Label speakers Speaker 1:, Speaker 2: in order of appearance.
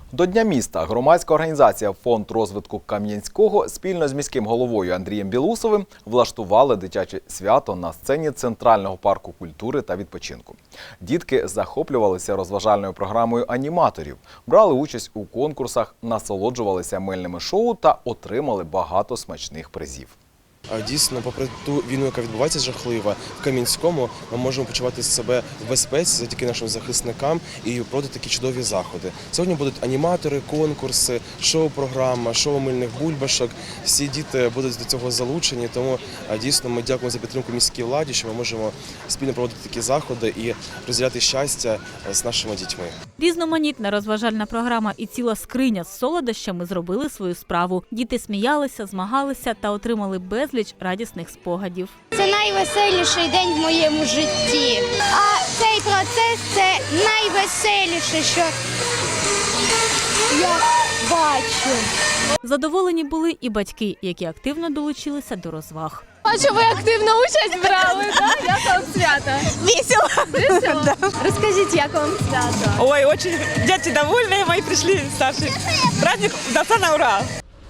Speaker 1: До Дня міста громадська організація «Фонд розвитку Кам'янського» спільно з міським головою Андрієм Білусовим влаштували дитяче свято на сцені Центрального парку культури та відпочинку. Дітки захоплювалися розважальною програмою аніматорів, брали участь у конкурсах, насолоджувалися мильними шоу та отримали багато смачних призів.
Speaker 2: Дійсно, попри ту війну, яка відбувається жахлива, в Кам'янському ми можемо почувати себе в безпеці завдяки нашим захисникам і проводити такі чудові заходи. Сьогодні будуть аніматори, конкурси, шоу-програма, шоу мильних бульбашок. Всі діти будуть до цього залучені, тому дійсно ми дякуємо за підтримку міській владі, що ми можемо спільно проводити такі заходи і розділяти щастя з нашими дітьми.
Speaker 3: Різноманітна розважальна програма і ціла скриня з солодощами зробили свою справу. Діти сміялися, змагалися та отримали безліч радісних спогадів.
Speaker 4: Це найвеселіший день в моєму житті. А цей процес – це найвеселіше, що я бачу.
Speaker 3: Задоволені були і батьки, які активно долучилися до розваг.
Speaker 5: Бачу, ви активну участь брали, так? Як вам свято?
Speaker 6: Весело.
Speaker 5: Весело? Розкажіть, як вам свято?
Speaker 6: Ой, очень дети довольные, мои пришли старшие. Праздник удался на ура.